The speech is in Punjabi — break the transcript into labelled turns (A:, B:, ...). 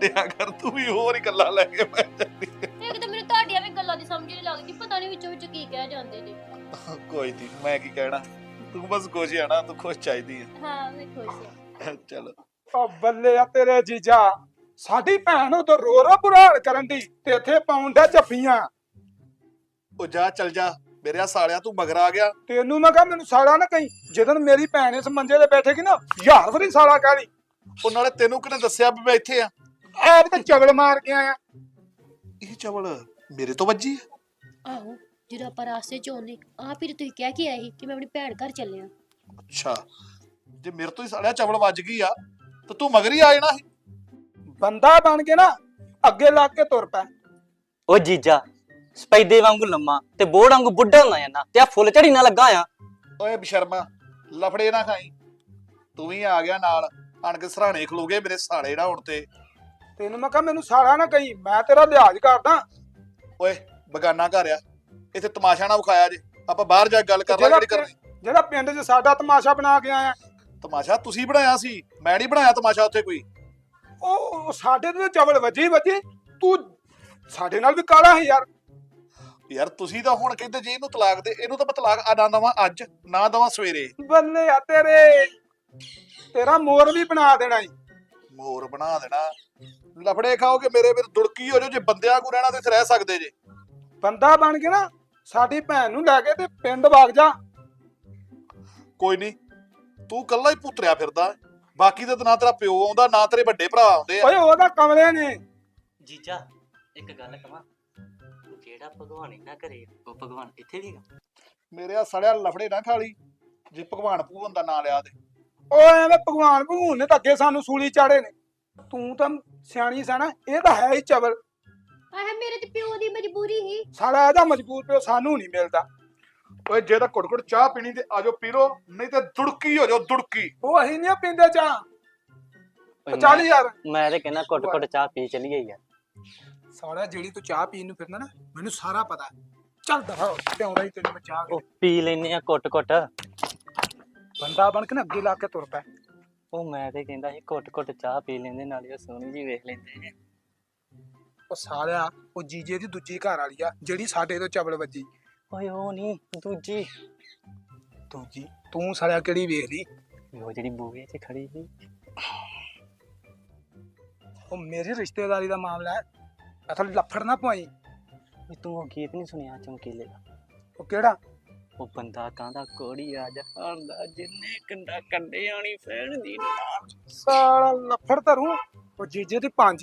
A: ਛੱਡਿਆ ਕਰ ਤੂੰ ਵੀ ਹੋਰ ਹੀ ਗੱਲਾਂ ਲੈ ਕੇ ਬਹਿ ਜਾਂਦੀ
B: ਇੱਕ ਤਾਂ ਮੈਨੂੰ ਤੁਹਾਡੀਆਂ ਵੀ ਗੱਲਾਂ ਦੀ ਸਮਝ ਨਹੀਂ ਲੱਗਦੀ, ਪਤਾ ਨਹੀਂ ਵਿੱਚੋਂ ਵਿੱਚ ਕੀ ਕਹਿ ਜਾਂਦੇ ਨੇ।
A: ਕੋਈ ਨਹੀਂ, ਮੈਂ ਕੀ ਕਹਿਣਾ, ਤੂੰ ਬਸ ਖੁਸ਼ ਆ ਨਾ, ਤੂੰ ਖੁਸ਼ ਚਾਹੀਦੀ ਹੈ।
B: ਹਾਂ ਮੈਂ ਖੁਸ਼ ਹਾਂ।
A: ਚਲੋ
C: ਓ ਬੱਲੇ ਆ ਤੇਰੇ ਜੀਜਾ, ਸਾਡੀ ਭੈਣ ਉਧਰ ਰੋ ਰੋ ਬੁਰਾ ਹਾਲ ਕਰਨ ਦੀ ਤੇ ਇੱਥੇ ਪਾਉਣ ਦਾ ਜੱਫੀਆਂ।
A: ਉਹ ਜਾ ਚੱਲ ਜਾ ਮੇਰੇ ਸਾਲਿਆ, ਤੂੰ ਮਗਰ ਆ ਗਿਆ।
C: ਤੈਨੂੰ ਮੈਂ ਕਹਾਂ ਮੈਨੂੰ ਸਾਲਾ ਨਾ ਕਹੀਂ, ਜਦੋਂ ਮੇਰੀ ਭੈਣ ਇਸ ਮੰਜੇ ਤੇ ਬੈਠੇਗੀ ਨਾ ਯਾਰ ਵਾਰੀ ਸਾਲਾ ਕਹਿ ਲਈ।
A: ਉਹ ਨਾਲੇ ਤੈਨੂੰ ਕਿਹਨੇ ਦੱਸਿਆ ਵੀ ਮੈਂ ਇੱਥੇ ਆ?
C: ਆਪ ਤੇ ਚਗਲ ਮਾਰ ਕੇ ਆਇਆ।
A: ਇਹ ਚਵਲ ਮੇਰੇ ਤੋਂ ਵੱਜੀ ਆ?
B: ਆਹੋ ਜਦੋਂ ਆਪਾਂ ਰਾਸਤੇ ਚ ਆਉਂਦੇ ਆਪ ਹੀ ਤੁਸੀਂ ਕਹਿ ਕੇ ਆਏ ਸੀ ਕਿ ਮੈਂ ਆਪਣੀ ਭੈਣ ਘਰ ਚੱਲਿਆ।
A: ਅੱਛਾ, ਜੇ ਮੇਰੇ ਤੋਂ ਹੀ ਸਾਲਿਆ ਚਵਲ ਵੱਜ ਗਈ ਆ ਤਾਂ ਤੂੰ ਮਗਰ ਹੀ ਆ ਜਾਣਾ ਸੀ।
C: ਬੰਦਾ ਬਣ ਕੇ ਨਾ ਅੱਗੇ ਲੱਗ ਕੇ ਤੁਰ ਪੈ।
D: ਉਹ ਜੀਜਾ ਸਪੈਦੇ ਵਾਂਗੂ ਲੰਮਾ ਤੇ ਬੋੜ ਵਾਂਗੂ ਬੁੱਢਾ ਹੁੰਦਾ ਜਾਂਦਾ ਤੇ ਆ ਫੁੱਲ ਝੜੀ ਨਾ ਲੱਗਾ ਆ।
A: ਓਏ ਬਸ਼ਰਮਾ, ਲਫੜੇ ਨਾ ਖਾਈ, ਤੂੰ ਵੀ ਆ ਗਿਆ ਨਾਲ, ਆਣ ਕੇ ਸਰਾਣੇ ਖਲੋਗੇ ਮੇਰੇ ਸਾਲੇ ਨਾ ਹੁਣ ਤੇ।
C: ਤੈਨੂੰ ਮੈਂ ਕਹਾਂ ਮੈਨੂੰ ਸਾਲਾ ਨਾ ਕਹੀਂ, ਮੈਂ ਤੇਰਾ ਲਿਹਾਜ਼ ਕਰਦਾ।
A: ਓਏ ਬਗਾਨਾ ਘਰ ਆ, ਇੱਥੇ ਤਮਾਸ਼ਾ ਨਾ ਵਿਖਾਇਆ ਜੇ, ਆਪਾਂ ਬਾਹਰ ਜਾ ਕੇ ਗੱਲ ਕਰ ਲਾਂਗੇ ਜਿਹੜੀ ਕਰਨੀ।
C: ਜਿਹੜਾ ਪਿੰਡ 'ਚ ਸਾਡਾ ਤਮਾਸ਼ਾ ਬਣਾ ਕੇ ਆਇਆ,
A: ਤਮਾਸ਼ਾ ਤੁਸੀਂ ਬਣਾਇਆ ਸੀ, ਮੈਂ ਨਹੀਂ ਬਣਾਇਆ ਤਮਾਸ਼ਾ ਉੱਥੇ ਕੋਈ।
C: ਉਹ ਸਾਡੇ ਤੇ ਚਵਲ ਵੱਜੀ, ਤੂੰ ਸਾਡੇ ਨਾਲ ਵੀ ਕਾਲਾ ਹੈ ਯਾਰ।
A: ਯਾਰ ਤੁਸੀਂ ਤਾਂ ਹੁਣ ਕਹਿੰਦੇ ਜੇ ਇਹਨੂੰ ਤਲਾਕ ਦੇ, ਇਹਨੂੰ ਤਾਂ ਮੈਂ ਤਲਾਕ ਨਾ ਦਵਾਂ ਅੱਜ, ਨਾ ਦਵਾਂ ਸਵੇਰੇ।
C: ਬੱਲੇ ਆ ਤੇਰੇ, ਤੇਰਾ ਮੋਰ ਵੀ ਬਣਾ ਦੇਣਾ ਈ।
A: ਮੋਰ ਬਣਾ ਦੇਣਾ? ਲਫੜੇ ਖਾਓਗੇ ਮੇਰੇ ਵੀਰ, ਦੁੜਕੀ ਹੋ ਜਾਓ, ਜੇ ਬੰਦਿਆਂ ਕੋ ਰਹਿਣਾ ਤੇ ਇੱਥੇ ਰਹਿ ਸਕਦੇ ਜੇ।
C: ਬੰਦਾ ਬਣ ਕੇ ਨਾ ਸਾਡੀ ਭੈਣ ਨੂੰ ਲੈ ਕੇ ਤੇ ਪਿੰਡ ਵਗ ਜਾ।
A: ਕੋਈ ਨਹੀਂ, ਤੂੰ ਕੱਲਾ ਹੀ ਪੁੱਤਰਿਆ ਫਿਰਦਾ, ਬਾਕੀ ਤਾਂ ਨਾ ਤੇਰਾ ਪਿਓ ਆਉਂਦਾ ਨਾ ਤੇਰੇ ਵੱਡੇ ਭਰਾ ਆਉਂਦੇ ਆ।
C: ਓਏ ਉਹਦਾ ਕਮਲੇ ਨੇ।
D: ਜੀਜਾ ਇੱਕ ਗੱਲ ਕਹਾਂ, ਜਿਹੜਾ ਭਗਵਾਨ ਇਹਨਾਂ ਘਰੇ ਉਹ ਭਗਵਾਨ ਇੱਥੇ ਵੀ ਹੈਗਾ।
A: ਮੇਰੇ ਆ ਸੜਿਆ ਲਫੜੇ ਨਾ ਖਾਲੀ, ਜੇ ਭਗਵਾਨ ਭੂਵਨ ਦਾ ਨਾਂ ਲਿਆ ਤੇ।
C: ਓਏ ਐਵੇਂ ਭਗਵਾਨ ਭਗੂਨ ਨੇ ਤਾਂ ਅੱਗੇ ਸਾਨੂੰ ਸੂਲੀ ਚਾੜੇ ਨੇ। ਤੂੰ ਤਾਂ ਸਿਆਣੀ ਸਾਣਾ, ਇਹ ਤਾਂ ਹੈ ਹੀ ਚਵਲ।
B: ਆਹ ਮੇਰੇ ਤੇ ਪਿਓ ਦੀ ਮਜਬੂਰੀ ਸੀ।
C: ਸਾਲਾ ਇਹਦਾ ਮਜਬੂਰ ਪਿਓ ਸਾਨੂੰ ਨਹੀਂ ਮਿਲਦਾ।
A: ਓਏ ਜੇ ਤਾਂ ਘੁੱਟ ਘੁੱਟ ਚਾਹ ਪੀਣੀ ਤੇ ਆਜੋ ਪੀ ਲੋ, ਨਹੀਂ ਤੇ ਦੁੜਕੀ ਹੋ ਜਾਓ, ਦੁੜਕੀ।
C: ਉਹ ਅਸੀਂ ਨਹੀਂ ਪੀਂਦੇ ਚਾਹ।
D: ਓਏ
C: ਚੱਲ ਯਾਰ,
D: ਮੈਂ ਤੇ ਕਹਿੰਦਾ ਘੁੱਟ ਘੁੱਟ ਚਾਹ ਪੀ ਚਲੀਏ ਯਾਰ।
C: ਸਾਲਾ ਜਿਹੜੀ ਤੂੰ ਚਾਹ ਪੀਣ ਨੂੰ ਫਿਰਦਾ ਨਾ, ਮੈਨੂੰ ਸਾਰਾ ਪਤਾ। ਚੱਲ ਦਫਾ ਪਿਆਉਂਦਾ ਹੀ ਤੈਨੂੰ ਮੈਂ ਚਾਹ ਕੇ।
D: ਉਹ ਪੀ ਲੈਨੇ ਆ ਘੁੱਟ ਘੁੱਟ।
C: ਬੰਦਾ ਬਣ ਕੇ ਨਾ ਅੱਗੇ ਲਾ ਕੇ ਤੁਰ ਪੈ।
D: ਉਹ ਮੈਂ ਤੇ ਕਹਿੰਦਾ ਸੀ ਘੁੱਟ ਘੁੱਟ ਚਾਹ ਪੀ ਲੈਂਦੇ, ਨਾਲੇ ਉਹ ਸੋਹਣੀ ਜੀ ਵੇਖ ਲੈਂਦੇ।
C: ਉਹ ਸਾਲਿਆ ਉਹ ਜੀਜੇ ਦੀ ਦੂਜੀ ਘਰ ਵਾਲੀ ਆ ਜਿਹੜੀ ਸਾਡੇ ਤੋਂ ਚਵਲ ਵੱਜੀ।
D: ਓਏ ਉਹ ਨਹੀਂ ਦੂਜੀ,
C: ਦੂਜੀ ਤੂੰ ਸਾਲਿਆ ਕਿਹੜੀ ਵੇਖ ਲਈ?
D: ਉਹ ਜਿਹੜੀ ਬੂਹੇ 'ਚ ਖੜੀ ਸੀ।
C: ਉਹ ਮੇਰੀ ਰਿਸ਼ਤੇਦਾਰੀ ਦਾ ਮਾਮਲਾ ਹੈ, ਅਸਲ ਲੱਫੜ ਨਾ ਪਵਾਈ।
D: ਵੀ ਤੂੰ ਉਹ ਗੀਤ ਨਹੀਂ ਸੁਣਿਆ ਚਮਕੀਲੇ ਦਾ?
C: ਉਹ ਕਿਹੜਾ?
D: ਉਹ ਬੰਦਾ ਕਹਿੰਦਾ ਕੋੜੀ ਆ ਜਹਾਨ ਦਾ, ਜਿੰਨੇ ਕੰਡਾ ਕੰਡੇ ਆਣੀ ਫੈਣ ਦੀ।
C: ਸਾਲਾ ਲੱਫੜ ਧਰੂ। ਉਹ ਜੀਜੇ ਦੀ 5